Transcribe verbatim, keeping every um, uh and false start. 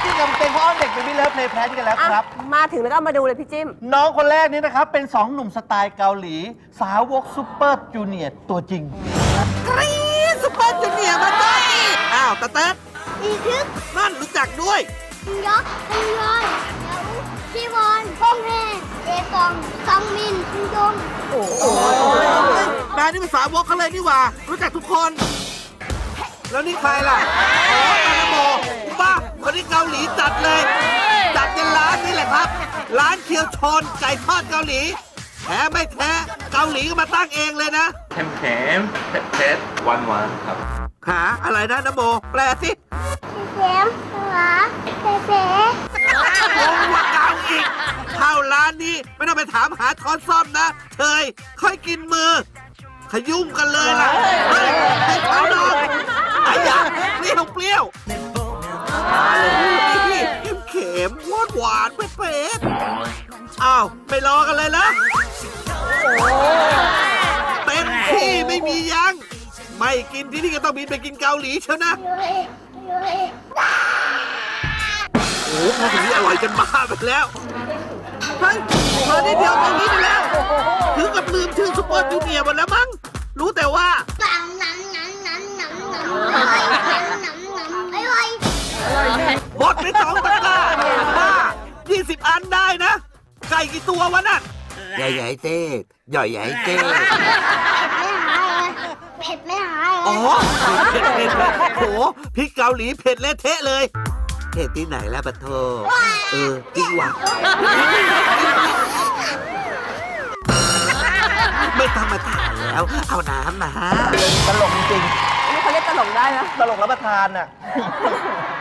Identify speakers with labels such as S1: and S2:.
S1: ที่กับเพลงพ่อเด็กเป็นมิเลิฟเพลย์แพลนกันแล้วครับ
S2: มาถึงแล้วก็มาดูเลยพี่จิ้ม
S1: น้องคนแรกนี้นะครับเป็นสองหนุ่มสไตล์เกาหลีสาวกซูเปอร์จูเนียร์ตัวจริง
S3: กรี๊ดซูเปอร์จูเนียร์มาได้อ้าวตะเต๊ด
S4: อีทึก
S3: นั่นรู้จักด้วย
S4: ยกคุยอนชีวอนพงเฮเอกองซองมินคุยง
S3: โอ้โหนายนี่เป็นสาวกเขาเลยนี่หว่ารู้จักทุกคนแล้วนี่ใครล่ะอ๋อตาโมป้าคนที่เกาหลีจัดเลยจัดในร้านนี่แหละครับร้านเคียวชอนไก่ทอดเกาหลีแท้ไม่แท้เกาหลีก็มาตั้งเองเลยนะ
S5: เค็มเค็มเผ็ดเผ็ดหวานหวานครับ
S3: หาอะไรนะนโมแปลสิ
S4: เค็มหวานเผ็ดเผ็ด
S3: โอ้ว่าเกาอีกเข้าร้านนี้ไม่ต้องไปถามหาช้อนซ่อมนะเธยค่อยกินมือขยุ่มกันเลยล่ะเฮ้ยให้เขาลองไอ้ยาเปรี้ยวเปรี้ยวมาเลยนี่เข็มหวานหวานเผ็ดๆอ้าวไม่รอกันเลยนะเต็มที่ไม่มียั้งไม่กินที่นี่ก็ต้องบินไปกินเกาหลีเชียวนะโอ้โหพอถึงนี้อร่อยจนบ้าไปแล้วเฮ้ยมาได้เดียวตรงนี้ไปแล้วถึงกับลืมชื่อซุปเปอร์จูเนียร์หมดแล้วมั้งรู้แต่ว่า
S4: หนังหนังหนังหนังหนังหนังหนังหนังหนังอร่อย
S3: หมดไปสองตะกร้าบ้ายี่สิบอันได้นะไก่กี่ตัววะนั่นใหญ่ใหญ่เจ๊ใหญ่ใหญ่เจ๊
S4: เผ็ดไม่หาย
S3: อ๋อเผ็ดเผ็ดโหพริกเกาหลีเผ็ดเละเทะเลยเผ็ดที่ไหนแล้วปะโทเออจริงว่ะไม่ต้องมาถามแล้วเอาน้ำนะ
S1: ตลกจริง
S2: นี่เขาเรียกตลกได้นะ
S1: ตลกรับประทานน่ะ